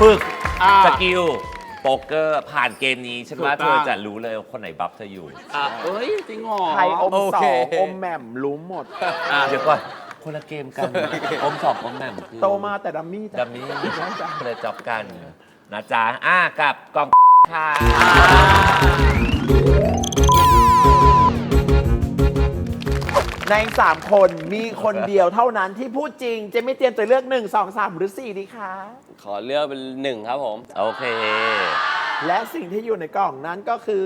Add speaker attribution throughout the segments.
Speaker 1: ฝึกสกิลโป๊กเกอร์ผ่านเกมนี้ฉันว่าเธอจะรู้เลยว่าคนไหนบัฟเธออยู่
Speaker 2: เอ้ยจริงเหรอ
Speaker 3: ใครอม
Speaker 4: โอ
Speaker 3: ส
Speaker 4: เค
Speaker 3: องอมแหม่มรู้หมด
Speaker 1: เดี๋ยวก่อนคนละเกมกันอมสองอมแหม่มคือ
Speaker 3: โตมาแต่ดัมมี่
Speaker 1: ดัมนี้คนละจ็อบกันนะจ๊ะกับกล่องค่ะ
Speaker 3: ใน3 คนมีคนเดียวเท่านั้นที่พูดจริงเจะไม่เตรียมจะเลือก 1 2 3 หรือ 4 ดีคะ
Speaker 4: ขอเลือกเป็น1ครับผม
Speaker 1: โอเค
Speaker 3: และสิ่งที่อยู่ในกล่องนั้นก็คือ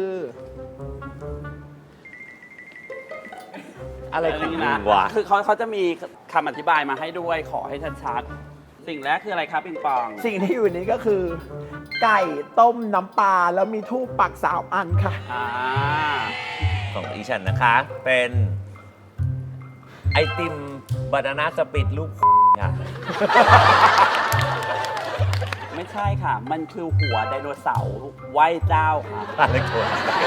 Speaker 3: อะไรของ
Speaker 2: นี่
Speaker 3: มึ
Speaker 2: นะ
Speaker 3: งวะ
Speaker 2: คือเขาจะมีคำอธิบายมาให้ด้วยขอให้ชัดๆสิ่งแรกคืออะไรครับปิงปอง
Speaker 3: สิ่งที่อยู่นี้ก็คือ ไก่ต้มน้ำปลาแล้วมีทูบปัก3 อันค่ะ
Speaker 1: ของอีฉันนะคะ เป็นไอติมบานาน่าสปิดลูกค่ะ
Speaker 2: ไม่ใช่ค่ะ มันคือหัวไดโนเสาร์ไหว้เจ้าค่ะ
Speaker 1: อะไรตัว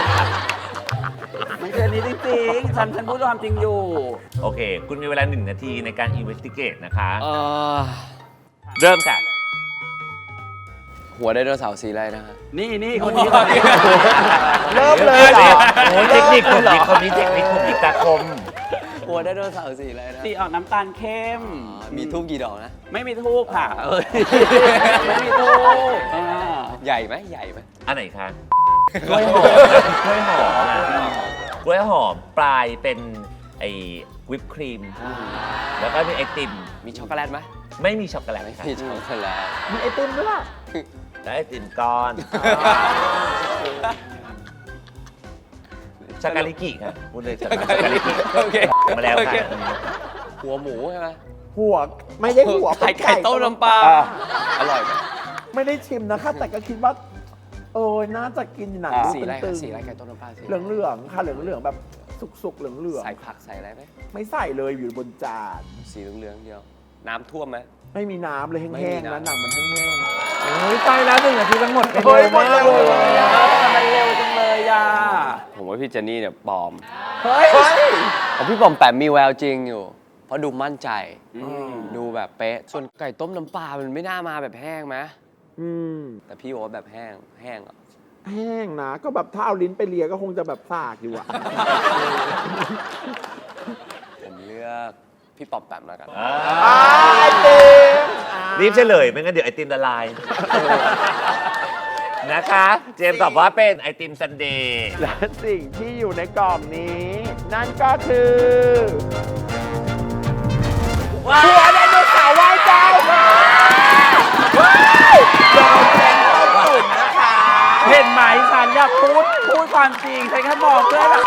Speaker 2: มันคืออันนี้จริงๆ ฉันพูดความจริงอยู่
Speaker 1: โอเค คุณมีเวลา1 นาทีในการ investigate นะคะ
Speaker 4: เอ่อ
Speaker 1: เริ่มค่ะ
Speaker 4: หัวไดโนเสาร์สีอะไรนะฮะ
Speaker 2: นี่คนนี้คนนี้
Speaker 3: เริ่มเลยเหรอ
Speaker 1: โอ้ยเทคนิคผมนี่คนนี้เทคนิคผมนี่ตาคม
Speaker 4: หัวไดโนเสาร์สีอะไรนะ
Speaker 2: สีออกน้ำตาลเข้ม
Speaker 4: มีทูบกี่ดอกนะ
Speaker 2: ไม่มีทูบค่ะไม่มีทูบ
Speaker 4: ใหญ่ไหมใหญ่ไหม
Speaker 1: อันไหนคะกล้วยหอมกล้วยหอมอะกล้วยหอมปลายเป็นไอ้วิปครีม แล้วก็มีไอติม
Speaker 4: มีช็อกโกแลตไหม
Speaker 1: ไม่มีช็อกโกแลตค่ะ
Speaker 4: มีช็อกโกแลต
Speaker 3: มีไอติมด้วยล่ะ
Speaker 1: แล้วไอติมก้อนชากาลิกิค่ะพูดเลยชากาลิกิ
Speaker 4: โอเค
Speaker 1: มาแล้ว
Speaker 4: โอเค
Speaker 1: ค่ะ
Speaker 4: หัวหมูใช่ไหม
Speaker 3: หัวไม่ได้หัว
Speaker 4: ไข่ต้มน้ำปลาอร่อยไหม
Speaker 3: ไม่ได้ชิมนะคะแต่ก็คิดว่าน่าจะกินหนัง
Speaker 4: สีอะไร
Speaker 3: ตึ
Speaker 4: คะ
Speaker 3: ง
Speaker 4: สีอะไรไก่ต้มน้ำปลาสี
Speaker 3: เหลืองๆค่ะเหลืองๆแบบสุกๆเหลือง
Speaker 4: ใส่ผักใส่อะไรไหม
Speaker 3: ๆไม่ใส่เลยอยู่บนจาน
Speaker 4: สีเหลืองๆเดียว น้ำท่วมไหม
Speaker 3: ไม่มีน้ำเลย
Speaker 4: ไม่
Speaker 3: แห้
Speaker 4: มี
Speaker 3: งๆนะ
Speaker 4: น้ำ
Speaker 3: หนังมันแห้ง
Speaker 1: โอ้ยตายแล้ว1 นาทีทั้งหมด
Speaker 3: เฮ้ยหมดเร็วเลย
Speaker 2: มันเร็วจังเลยอ่ะ
Speaker 4: ผมว่าพี่เจนนี่เนี่ยปลอม
Speaker 3: ๆเฮ้ย
Speaker 4: ของพี่ปอมแปมมีแววจริงอยู่ เพราะดูมั่นใจ ดูแบบเป๊ะ ส่วนไก่ต้มน้ำปลา มันไม่น่ามาแบบแห้งไหม
Speaker 3: อืม
Speaker 4: แต่พี่บอกว่าแบบแห้ง แห้งเหรอ
Speaker 3: แห้งนะก็แบบถ้าเอาลิ้นไปเลียก็คงจะแบบสากอยู่อะ
Speaker 4: ผมเลือกพี่ปอมแปมแล้วกัน
Speaker 3: ไอติม
Speaker 1: รีบเฉลยไม่งั้นเดี๋ยวไอติมละลายนะคะ เจมส์ตอบว่าเป็นไอติมซันเดย์
Speaker 3: และสิ่งที่อยู่ในกล่องนี้ นั่นก็คือหัวไดโนเสาร์ไหว้เจ้าค่ะยอมเป็นต้มตุ๋นนะคะ
Speaker 2: เห็นไหมฉันอยากพูดความจริงฉันแค่บอกเพื่อแบบ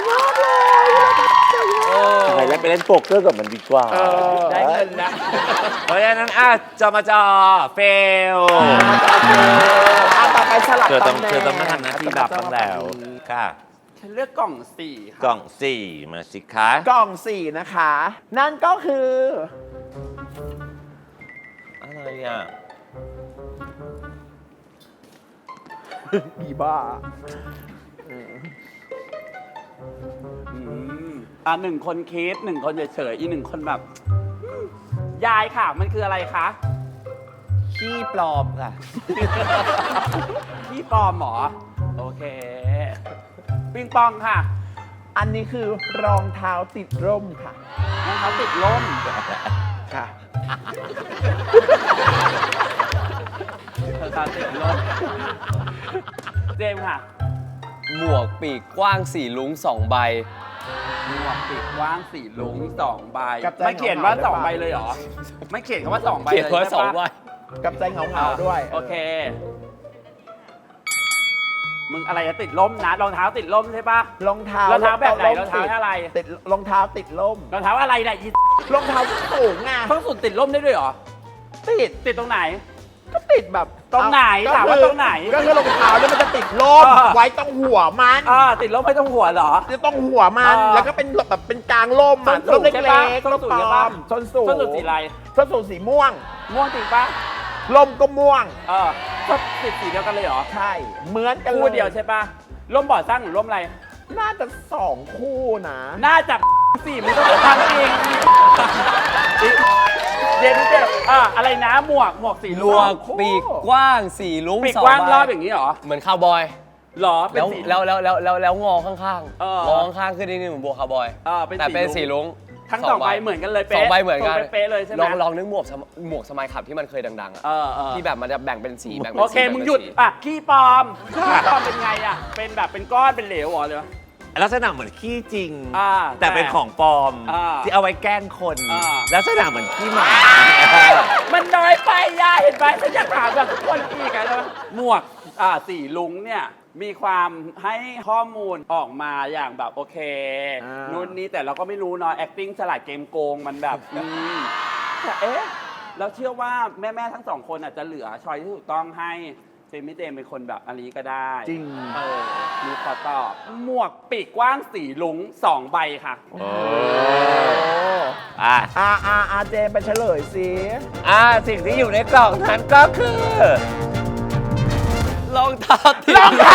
Speaker 1: ทำไมแล้วไปเล่นโป๊กเกอร์กับมันดีกว่า
Speaker 2: ได้เงินนะ
Speaker 1: เพราะฉะนั้นจอมาจอเฟล
Speaker 3: ต่อไปสลับ
Speaker 1: เธอต้อง
Speaker 3: ตำแหน่ง
Speaker 1: เธอต้องมาทำหน้าที่ดับบ้างแล้วค่ะ
Speaker 2: ฉันเลือกกล่องสี่ค่ะ
Speaker 1: กล่อง 4 มาสิคะ
Speaker 3: กล่อง4นะคะ นั่นก็คือ
Speaker 1: อะไรอ่ะ
Speaker 3: อีบ้า
Speaker 2: หนึ่งคนคิด1 คนเฉยๆอีก1 คนแบบยายค่ะ มันคืออะไรคะ
Speaker 1: ขี้ปลอมค่ะ
Speaker 2: พี่ปลอมเหรอ โอเค ปิงปองค่ะ
Speaker 3: อันนี้คือรองเท้าติดร่มค่ะ
Speaker 2: รองเท้าติดล่ม
Speaker 3: ค่ะ
Speaker 2: รองเท้าติดล่มเจมส์ค่ะ
Speaker 4: หมวกปีกกว้าง4ลุ้ง2 ใบ
Speaker 2: หมวกปีกกว้างสีลุง2 ใบ
Speaker 3: กับใจ
Speaker 2: ไม่เขียนว่า
Speaker 3: เหงาๆ
Speaker 2: 2 ใบเลยเหรอ ไม่เขียนคำว่า2 ใบ
Speaker 4: เขียน
Speaker 2: เลย
Speaker 4: ว่า
Speaker 2: ใช่
Speaker 4: 2 ใบ
Speaker 2: ปะ
Speaker 3: กับใจเหงาๆด้วย
Speaker 2: โอเค มึงอะไรจะติดล่มนะรองเท้าติดล่มใช่ปะ
Speaker 3: รองเท้าร
Speaker 2: องเท้าแบบไหน
Speaker 3: ร่ม
Speaker 2: รองเท้าอะไร
Speaker 3: ติดรองเท้าติดร่ม
Speaker 2: รองเท้าอะไรเนี่ยอี
Speaker 3: รองเท้าสูงไง
Speaker 2: เพิ่งสุดติดล่มได้ด้วยเหรอ
Speaker 3: ติด
Speaker 2: ติดตรงไหน
Speaker 3: ก็ติดแบบ
Speaker 2: ตรงไหน
Speaker 3: ก็
Speaker 2: ถามว่า
Speaker 3: คือ
Speaker 2: ตรงไหน
Speaker 3: ก็คือรองเท้าเนี่ยมันจะติดร่ม ไว้ตรงหัวมัน
Speaker 2: ติดล่มไม่ต้องหัวเหรอ
Speaker 3: จะต้องหัวมัน แล้วก็เป็นแบบเป็นกลางร่ม
Speaker 2: ส้
Speaker 3: อ่ะ
Speaker 2: นสู
Speaker 3: ร่
Speaker 2: ง
Speaker 3: มเล็
Speaker 2: ใช่ปะ
Speaker 3: กๆ
Speaker 2: ส้
Speaker 3: ร่
Speaker 2: น
Speaker 3: ม
Speaker 2: สูง
Speaker 3: ปล
Speaker 2: ใช่
Speaker 3: อ
Speaker 2: ปะ
Speaker 3: มส้นสูง
Speaker 2: ส้นสูงสีอะไร
Speaker 3: ส้นสูงสีม่วง
Speaker 2: ม่วงจริงปะ
Speaker 3: ร่มก็ม่วง
Speaker 2: ก็ติดสีเดียวกันเลยเหรอ
Speaker 3: ใช่ เหมือนกัน
Speaker 2: คู่เดียวใช่ปะร่มบ่อสร้างหรือร่มอะไร
Speaker 3: น่าจะ2 คู่นะ
Speaker 2: น่าจะสิมึงต้องทำเองเย็นเจ็บอะไรนะหมวกสี
Speaker 4: หมวกปีกกว้างสีลุ้ง
Speaker 2: ปีก
Speaker 4: สอง
Speaker 2: กว้าง
Speaker 4: ใบ
Speaker 2: รอบอย่างนี้เหรอ
Speaker 4: เหมือนคาวบอย
Speaker 2: หรอเป็น
Speaker 4: แล้ว
Speaker 2: สี
Speaker 4: แล้วงอข้าง
Speaker 2: เออ
Speaker 4: ๆงอข้างๆขึ้นนิดนึงเหมือนบัวคาวบอย
Speaker 2: เป็น
Speaker 4: แต่เป็น
Speaker 2: สี
Speaker 4: สี
Speaker 2: ลุ้ง
Speaker 4: ลุ้ง
Speaker 2: ทั้งสองใบเหมือนกันเลยเป๊ะ
Speaker 4: สองใบเหมือนกัน
Speaker 2: เป๊ะๆเลยใช่ไหม
Speaker 4: ลองนึกหมวกสมัยขับที่มันเคยดังๆอะ
Speaker 2: เออ
Speaker 4: ที่แบบมันจะแบ่งเป็นสีแบ่งเป็น
Speaker 2: โอ
Speaker 4: สี
Speaker 2: เคมึงหยุดขี้ปลอมเป็นไงเป็นแบบเป็นก้อนเป็นเหลวเหรอเลย
Speaker 1: ลักษณะเหมือนขี้จริง
Speaker 2: แต่
Speaker 1: แต่เป็นของปลอม ที่เอาไว้แกล้งคน ลักษณะเหมือนขี้หมา
Speaker 2: มันน้อยไปย่าเห็นไหมฉันอยากถามแบบทุกคนอีกนะหมวกสีลุงเนี่ยมีความให้ข้อมูลออกมาอย่างแบบโอเคนู่นนี่แต่เราก็ไม่รู้เนาะ acting ฉลาดเกมโกงมันแบบแต่เราเชื่อว่าแม่ๆทั้งสองคนอาจจะเหลือชอยที่ถูกต้องให้เจมี่เจมเป็นคนแบบอันนี้ก็ได้
Speaker 3: จริง
Speaker 2: มีขอตอบหมวกปีกกว้างสีลุง2 ใบค่ะ
Speaker 3: เจมไปเฉลยสิ
Speaker 1: สิ่งที่อยู่ในกล่องนั้นก็คือ
Speaker 4: รองเท้าติด
Speaker 3: รองเท้า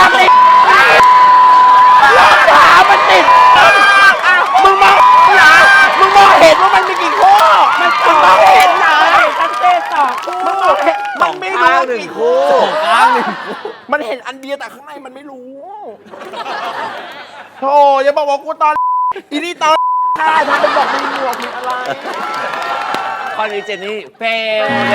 Speaker 3: มันติดมึงมองเหรอมึงมองเห็นว่ามันมีกี่ข้อมึงมองเห็นเหรอ
Speaker 2: ตั้งเต้ต่อคู่
Speaker 3: มึงมองเห็นมันไม่รู้
Speaker 1: หนึ่ง
Speaker 3: กี่
Speaker 1: คู่
Speaker 3: คู่
Speaker 4: ข้างหนึ่ง
Speaker 3: มันเห็นอันเดียวแต่ข้างในมันไม่รู้โธ่อย่าบอกว่ากูตอนอีนี่ตอนได้ทำเป็นบอกมีหมวกมีอะไร
Speaker 1: ข้อนี้เจนนี่เฟลเลย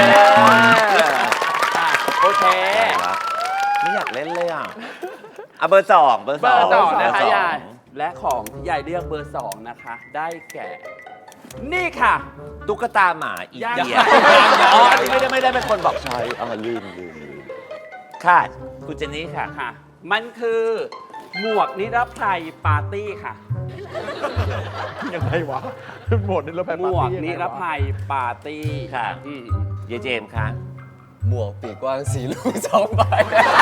Speaker 2: โอเค
Speaker 1: ไม่อยากเล่นเลยเบอร์ 2 เบอร์
Speaker 2: เบอร์
Speaker 1: 2
Speaker 2: 2นะคะยายและของที่ยายเลือกเบอร์ 2 นะคะ ได้แก่ นี่ค่ะ
Speaker 1: ตุ๊กตาหมาอีก
Speaker 2: ยัง
Speaker 1: เดียอันนี้ไม่ได้เป็นคนบอกใช่ลืมค่ะคุณเจนนี่ค่ะ
Speaker 2: ค่ะ มันคือหมวกนิรภัยปาร์ตี้ค่ะ
Speaker 3: ยังไงวะหมดนี่เราไป
Speaker 2: หมวกนิรภัยปาร์ตี้
Speaker 1: ค่ะ
Speaker 2: อืม
Speaker 1: เยเจมส์ค่ะ
Speaker 4: หมวกปีกกว้างสีลุ้ง2 ใบ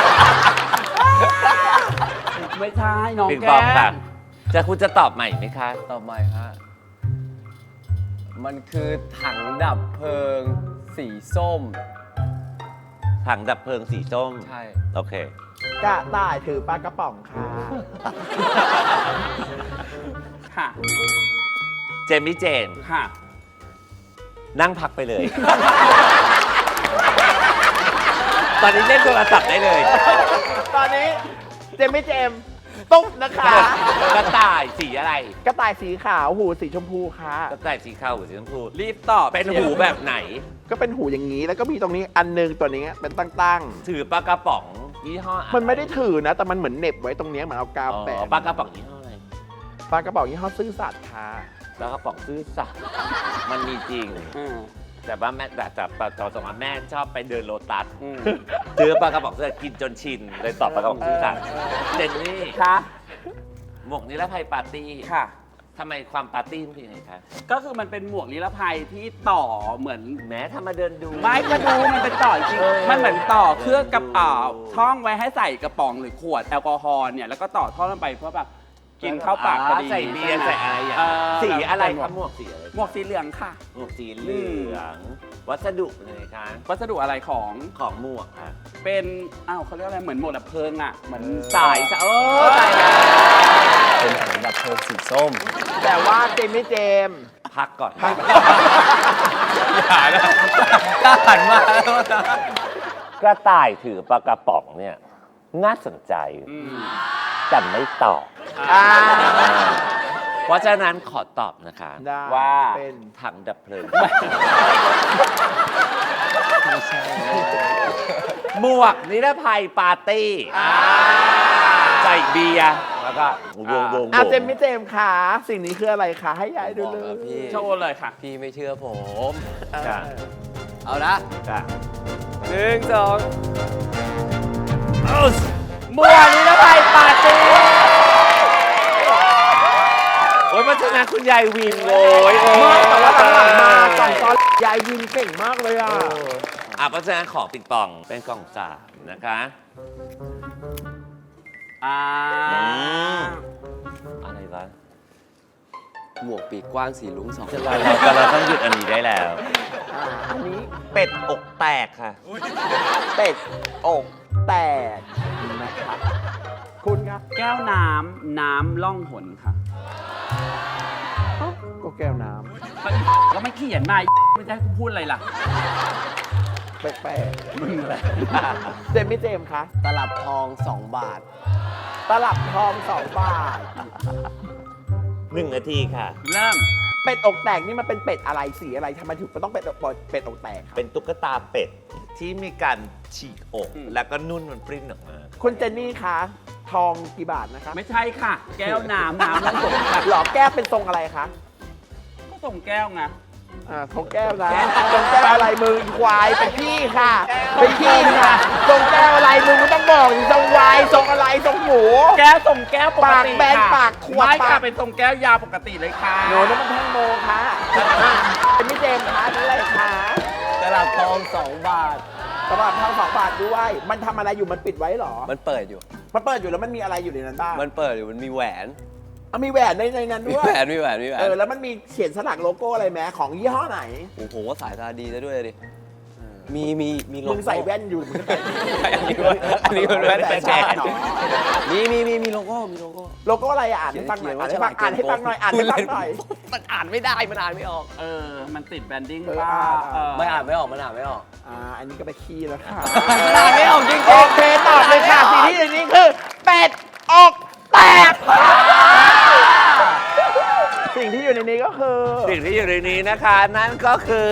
Speaker 2: ไม่ใช่น้อง
Speaker 1: ปิง
Speaker 2: แก
Speaker 1: ปองค่ะ
Speaker 2: น
Speaker 1: คุณจะตอบใหม่ไหมคะ
Speaker 4: ต่อไปฮะมันคือถังดับเพลิงสีส้ม
Speaker 1: ถังดับเพลิงสีส้ม
Speaker 4: ใช่
Speaker 1: โอเค
Speaker 3: กระต่ายถือปลากระป๋องค่ะ
Speaker 2: ค่ะ
Speaker 1: เจมี่เจมส์
Speaker 2: ค่ะ
Speaker 1: นั่งพักไปเลย ตอนนี้เล่นโทรศัพท์ได้เลย
Speaker 3: ตอนนี้เจมไม่เจมตุ๊บนะคะ
Speaker 1: กระต่ายสีอะไร
Speaker 3: กระต่ายสีขาวหูสีชมพูค่ะ
Speaker 1: กระต่ายสีขาวหรือสีชมพู
Speaker 2: รีบตอบ
Speaker 1: เป็นหูแบบไหน
Speaker 3: ก็เป็นหูอย่างนี้แล้วก็มีตรงนี้อันนึงตัวนี้เป็นตั้ง
Speaker 1: ถือปลากระป๋องยี่ห้ออะร
Speaker 3: ๆมันไม่ได้ถือนะ แต่มันเหมือนเหน็บไว้ตรงนี้เหมือนเอากาว
Speaker 1: อ๋อ
Speaker 3: แปะ
Speaker 1: ปลากระป๋องยี่ห้ออะไร
Speaker 3: ปลากระป๋องยี่ห้อซื่อสัตย์ค่ะ
Speaker 1: ปลากระป๋องซื่อสัตย์มันมีจริง
Speaker 2: อืม
Speaker 1: แต่ว่าแม่แต่ตอนสมัยแม่ชอบไปเดินโลตัส
Speaker 2: อืม
Speaker 1: ซื้อปลากระป๋องซื่อสัตย์กินจนชินเลยตอบปลากระป๋องซื่อสัตย์เจนนี่
Speaker 2: ค่ะ
Speaker 1: หมวกนิรภัยปาร์ตี้
Speaker 2: ค่ะ
Speaker 1: ทำไมความปาร์ตี้มันเป็นยังไงคะ
Speaker 2: ก็คือมันเป็นหมวกนิรภัยที่ต่อเหมือน
Speaker 1: แม้ถ้ามาเดินดู
Speaker 2: ไม่มาดูมันเป็นต่อจริงๆมันเหมือนต่อเครื่องกับช่องไว้ให้ใส่กระป๋องหรือขวดแอลกอฮอล์เนี่ยแล้วก็ต่อท่อลงไปเพื่อแบบกินเข้าปากพอดี
Speaker 1: ใส่เบียร์ใส่อะไรอย่าง
Speaker 2: เ
Speaker 1: สีอะไร
Speaker 2: หม
Speaker 1: คว รั
Speaker 2: ก
Speaker 1: บหมวกสีอะไร
Speaker 2: หมวกสีเหลืองค่ะ
Speaker 1: หมวกสีเหลืองวัสดุเป็นยังไงคะ
Speaker 2: วัสดุอะไรของ
Speaker 1: ของหมวกค่ะ
Speaker 2: เป็นเขาเรียกอะไรเหมือนหมวกดับเพลิงอ่ะเหมือน
Speaker 1: สายตายแล้ว
Speaker 4: เป็นถังดับเพลิงสีส้ม
Speaker 3: แต่ว่าเจมไม่เจม
Speaker 1: พักก่อน
Speaker 4: อย่านะกล้าหันมาแล้วนะ
Speaker 1: กระต่ายถือปลากระป๋องเนี่ยน่าสนใจ
Speaker 2: อืม
Speaker 1: แต่ไม่ตอบ
Speaker 3: อ่า
Speaker 1: เพราะฉะนั้นขอตอบนะคะ
Speaker 3: ได้
Speaker 2: ว่า
Speaker 3: เป็น
Speaker 1: ถังดับเพลิง
Speaker 4: ไม่ใช่
Speaker 1: หมวกนิรภัยปาร์ตี้ใส่เบียร์แล้วก็วง
Speaker 3: เจมไม่เจมค่ะ สิ่งนี้คืออะไรคะให้ยายดู
Speaker 4: บอก
Speaker 3: เล
Speaker 4: แล้ว
Speaker 3: ย
Speaker 4: พี่
Speaker 2: โชว์เลยค่ะ
Speaker 4: พี่ไม่เชื่อผม
Speaker 1: ค่ะ
Speaker 4: เอานะ
Speaker 1: ค่ะ
Speaker 4: 1 2
Speaker 2: หมวกนิรภัยปาร์ตี้
Speaker 1: โอ้ยเพราะฉะนั้นคุณยายวินโอ้ย
Speaker 3: ไม่แต่ว่าหลังๆมาสองตอนยายวินเก่งมากเลยอ่ะ
Speaker 1: เพราะฉะนั้นของปิงปองเป็นกล่องสามนะคะ อะไรวะ
Speaker 4: หมวกปีกกว้างสีลุ้ง2 ใบ
Speaker 1: เราต้องหยุดอันนี้ได้แล้ว
Speaker 3: อันนี้
Speaker 1: เป็ดอกแตกค่ะ
Speaker 3: เป็ดอกแตกนะครับคุณครับ
Speaker 2: แก้วน้ำล่องหนค่ะ
Speaker 3: ก็แก้วน้
Speaker 2: ก็ไม่เขียนมาไม่ได้พูดอะไรล่ะ
Speaker 3: ำแปลกๆมึงอะไรเจมมี่เจมส์คะ
Speaker 4: ตลับทอง 2 บาท
Speaker 3: ตลับทอง2 บาท
Speaker 1: 1 นาทีค่ะ
Speaker 2: เริ่ม
Speaker 3: เป็ดอกแตกนี่มันเป็นเป็ดอะไรสีอะไรทำไมถึงต้องเป็ดอกแตกครับ
Speaker 1: เป็นตุ๊กตาเป็ดที่มีการฉีกอก แล้วก็นุ่นมันปริ้นออกมา
Speaker 3: คุณเจนนี่คะทองกี่บาทนะคะ
Speaker 2: ไม่ใช่ค่ะ แก้วน้ำน้ำแล้วส่งค่ะ
Speaker 3: หล่อแก้วเป็นทรงอะไรคะ
Speaker 2: ก็ส่งแก้วไง
Speaker 3: ทรงแก้วนะทรงแก้วอะไรมึงอีควายเป็นพี่ค่ะเป็นพี่ค่ะทรงแก้วอะไรมึงไม่ต้องบอกดิทรงวายทรงอะไรทรงหมู
Speaker 2: แก้วส่งแก้วปกติ
Speaker 3: ปากแบน
Speaker 2: ค่ะ
Speaker 3: ปากขวด
Speaker 2: ไม่
Speaker 3: ปา
Speaker 2: ค่ะ
Speaker 3: ก
Speaker 2: เป็นส่งแก้วยาวปกติเลยค่ะ
Speaker 3: โหนั่นมันแท่งโมค่ะเป็นมิเจมส์คะนี่อะไรคะ
Speaker 4: ตลับทอง 2 บาท
Speaker 3: สำหรับทอง2 บาทด้วย มันทำอะไรอยู่มันปิดไว้เหรอ
Speaker 4: มันเปิดอยู่
Speaker 3: มันเปิดอยู่แล้วมันมีอะไรอยู่ในนั้นบ้าง
Speaker 4: มันเปิดอยู่ มันมีแหวน
Speaker 3: มีแหวนในนั้น
Speaker 4: มี
Speaker 3: ด้วย
Speaker 4: แหวน มีแหวน มีแหวน
Speaker 3: แล้วมันมีเขียนสลักโลโก้อะไรไหมของยี่ห้อไหน
Speaker 4: โอ้โหสายตาดีซะด้วยดิ มีโล
Speaker 3: มึ
Speaker 4: โก้
Speaker 3: งใส่แว่นอยู่มึงใส่
Speaker 4: อันนี้มันแว่น
Speaker 3: แต่
Speaker 4: แปล
Speaker 3: ชาก หนอ
Speaker 4: มีโลโก้ มีโลโก้
Speaker 3: โลโก้อะไรอ่านให้ฟังหน่อยอ่านให้ฟังอ่านให้ฟังหน่อยอ่านให้ฟังหน่อย
Speaker 4: มันอ่านไม่ได้ มันอ่านไม่ออก
Speaker 2: มันติดแบนดิ้ง
Speaker 3: เออ
Speaker 2: ป่ะ
Speaker 4: ไม่อ่านไม่ออก มันอ่านไม่ออก
Speaker 3: อันนี้ก็ไปขี้แล้วค่ะ
Speaker 4: มันอ่านไม่ออกจริงๆ
Speaker 3: โอเคตอบเลยค่ะสิ่งที่อยู่ในนี้คือเป็ดอกแตกสิ่งที่อยู่ในนี้ก็คือ
Speaker 1: สิ่งที่อยู่ในนี้นะคะ นั่นก็คือ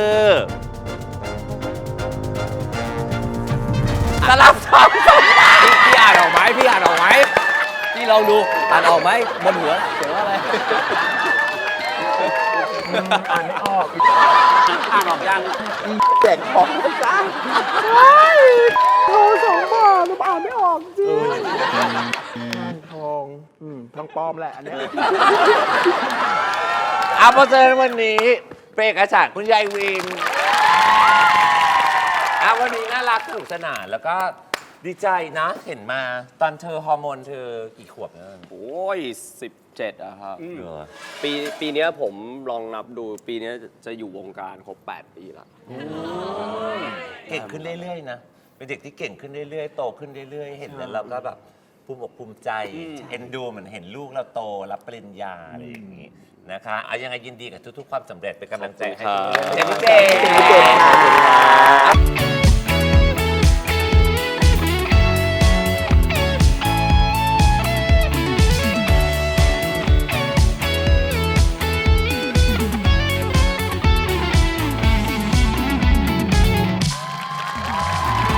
Speaker 1: ตลับทอง
Speaker 4: พี่อ่านออกไหมพี่อ่านออกไหมพี่ลองดู อ่านออกไหมบนหัวเขียนว่าอะไร
Speaker 1: อ่านไม่ออก
Speaker 2: อ่านออกยัง
Speaker 3: แจกของจ้าทอง2 บาทแล้วอ่านไม่ออกจริงทองทองปลอมแหละอันเนี้ย
Speaker 1: เอาเพราะฉะนั้นวันนี้เป็นเอกฉันท์คุณยายวินวันนี้น่ารักสนุกสนานแล้วก็ดีใจนะ เห็นมาตอนเธอฮอร์โมนเธอกี่ขวบนะ
Speaker 4: โอ้ย 17อะครับ
Speaker 1: เหรอ
Speaker 4: ปีเนี้ยผมลองนับดู ปีเนี้ยจะอยู่วงการครบ 8 ปีแล้ว
Speaker 1: เก่งขึ้นเรื่อยๆนะ เป็นเด็กที่เก่งขึ้นเรื่อยๆ โตขึ้นเรื่อยๆ เห็นแล้วเราก็แบบภูมิอกภูมิใจ เอ็นดูเหมือนเห็นลูกเราโตรับปริญญาอะไรอย่างนี้นะคะเอายังไงยินดีกับทุกๆ ความสำเร็จเป็นกำลังใจให้
Speaker 4: ขอบคุณครับ
Speaker 1: เจมส์เจมส์